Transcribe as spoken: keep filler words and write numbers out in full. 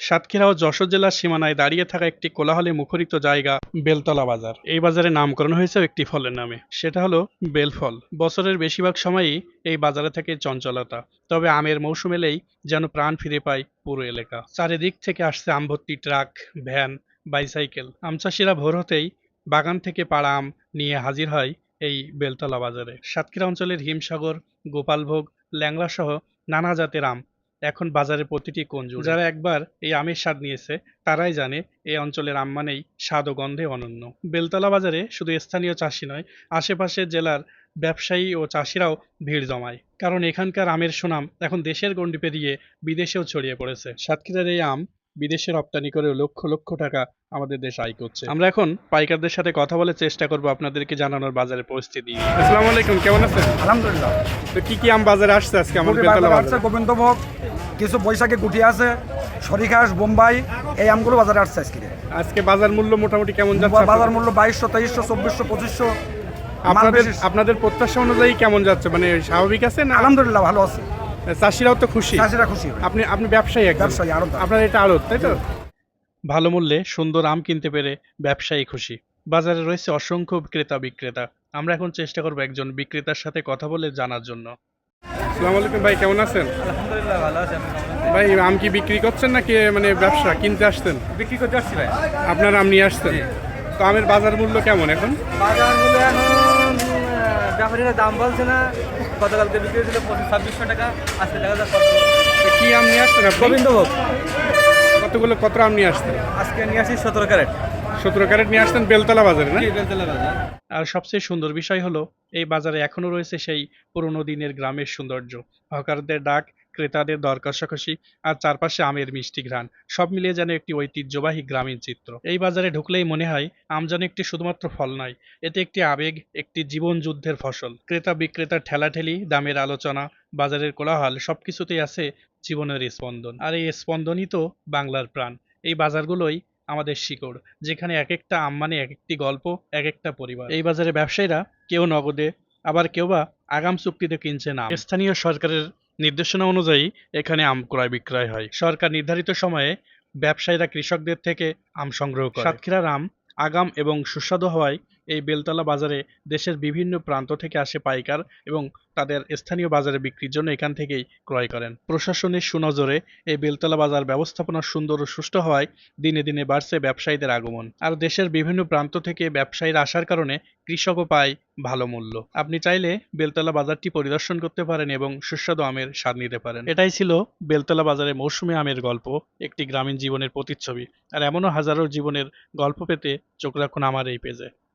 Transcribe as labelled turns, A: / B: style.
A: সাতক্ষীরা ও যশোর জেলার সীমানায় দাঁড়িয়ে থাকা একটি কোলাহলে মুখরিত জায়গা বেলতলা বাজার। এই বাজারে নামকরণ হয়েছে একটি ফলের নামে, সেটা হলো বেলফল। বছরের বেশিরভাগ সময়ই এই বাজারে থাকে চঞ্চলতা, তবে আমের মৌসুম এলেই যেন প্রাণ ফিরে পায় পুরো এলাকা। চারিদিক থেকে আসছে আম ভর্তি ট্রাক, ভ্যান, বাইসাইকেল। আম চাষিরা ভোর হতেই বাগান থেকে পাড়া আম নিয়ে হাজির হয় এই বেলতলা বাজারে। সাতক্ষীরা অঞ্চলের হিমসাগর, গোপালভোগ, ল্যাংড়া সহ নানা জাতের আম এখন বাজারে প্রতিটি কোণ জুড়ে। যারা একবার এই আমের স্বাদ নিয়েছে তারাই জানে এই অঞ্চলের আম মানেই স্বাদ ও গন্ধে অনন্য। বেলতলা বাজারে শুধু স্থানীয় চাষি নয়, আশেপাশের জেলার ব্যবসায়ী ও চাষিরাও ভিড় জমায়, কারণ এখানকার আমের সুনাম এখন দেশের গণ্ডি পেরিয়ে বিদেশেও ছড়িয়ে পড়েছে। সাতক্ষীরার এই আম বিদেশে রপ্তানি করে লক্ষ লক্ষ টাকা আমাদের দেশ আয় করছে। আমরা এখন পাইকারদের সাথে কথা বলে চেষ্টা করব আপনাদেরকে জানানোর বাজারের পরিস্থিতি। আসসালামু আলাইকুম, কেমন আছেন?
B: আলহামদুলিল্লাহ।
A: তো কি কি আম বাজারে আসছে আজকে আমাদের
B: গুটি
A: বেলতলা
B: বাজারে আসছে
A: বাজারে?
B: গোবিন্দভোগ, কিছু বৈশাখী গুটি আছে, সরিঘাস, বোম্বাই, এই আমগুলো বাজারে আসছে আজকে।
A: আজকে বাজার মূল্য মোটামুটি কেমন যাচ্ছে?
B: বাজার মূল্য বাইশশো, তেইশশো, চব্বিশশো, পঁচিশশো।
A: আপনাদের আপনাদের প্রত্যাশা অনুযায়ী কেমন যাচ্ছে, মানে স্বাভাবিক আছে না?
B: আলহামদুলিল্লাহ ভালো আছে,
A: চাষিরাও তো খুশি?
B: চাষিরা খুশি।
A: আপনি আপনি ব্যবসায়ী একজন?
B: ব্যবসায়ী, আড়ত।
A: আপনার এটা আড়ত, তাই তো? ভালো মূল্যে সুন্দর আম কিনতে পেরে ব্যবসায়ী খুশি। বাজারে রয়েছে অসংখ্য ক্রেতা বিক্রেতা। আমরা এখন চেষ্টা করব একজন বিক্রেতার সাথে কথা বলে জানার জন্য। আসসালামু আলাইকুম ভাই, কেমন আছেন?
C: আলহামদুলিল্লাহ ভালো আছি।
A: ভাই আম কি বিক্রি করছেন নাকি মানে ব্যবসা কিনতে আসছেন?
C: বিক্রি করতে আসছি ভাই।
A: আপনার আম নিয়ে আসছেন? তো আমের বাজার মূল্য কেমন এখন?
C: বাজার মূল্য এখন ব্যাপারীরা দাম বলছে না। গতকালকে বিক্রি হয়েছিল পঁচিশ ছাব্বিশশো টাকা, আজকে দেখা যাচ্ছে
A: তো কি আম নিয়ে আসছেন আপনি?
C: গোবিন্দভোগ।
A: কতগুলো কত আম নিয়ে আসছেন?
C: আজকে নিয়ে আসি সতেরো ক্যারেট।
A: সতেরো ক্যারেট নিয়ে আসছেন বেলতলা বাজারে, না?
C: বেলতলা বাজার।
A: আর সবচেয়ে সুন্দর বিষয় হলো এই বাজারে এখনো রয়েছে সেই পুরোনো দিনের গ্রামের সৌন্দর্য। হকারদের ডাক, ক্রেতাদের দর কষাকষি, আর চারপাশে আমের মিষ্টি ঘ্রাণ, সব মিলিয়ে যেন একটি ঐতিহ্যবাহী গ্রামীণ চিত্র। এই বাজারে ঢুকলেই মনে হয় আম যেন একটি শুধুমাত্র ফল নয়, এতে একটি আবেগ, একটি জীবন যুদ্ধের ফসল। ক্রেতা বিক্রেতার ঠেলাঠেলি, দামের আলোচনা, বাজারের কোলাহল, সবকিছুতেই আছে জীবনের স্পন্দন। আর এই স্পন্দনই তো বাংলার প্রাণ। এই বাজারগুলোই আমাদের শিকড়, যেখানে এক একটা আম মানে এক একটি গল্প, এক একটা পরিবার। এই বাজারে ব্যবসায়ীরা কেউ নগদে, আবার কেউ বা আগাম চুক্তিতে কিনছে না। স্থানীয় সরকারের নির্দেশনা অনুযায়ী এখানে আম ক্রয় বিক্রয় হয়। সরকার নির্ধারিত সময়ে ব্যবসায়ীরা কৃষকদের থেকে আম সংগ্রহ করে। সাতক্ষীরার আম আগাম এবং সুস্বাদু হওয়ায় এই বেলতলা বাজারে দেশের বিভিন্ন প্রান্ত থেকে আসে পাইকার এবং তাদের স্থানীয় বাজারে বিক্রির জন্য এখান থেকেই ক্রয় করেন। প্রশাসনের সুনজরে এই বেলতলা বাজার ব্যবস্থাপনা সুন্দর ও সুষ্ঠু হওয়ায় দিনে দিনে বাড়ছে ব্যবসায়ীদের আগমন। আর দেশের বিভিন্ন প্রান্ত থেকে ব্যবসায়ীরা আসার কারণে কৃষকও পায় ভালো মূল্য। আপনি চাইলে বেলতলা বাজারটি পরিদর্শন করতে পারেন এবং সুস্বাদু আমের স্বাদ নিতে পারেন। এটাই ছিল বেলতলা বাজারে মৌসুমী আমের গল্প, একটি গ্রামীণ জীবনের প্রতিচ্ছবি। আর এমনও হাজারো জীবনের গল্প পেতে চোখ রাখুন আমার এই পেজে।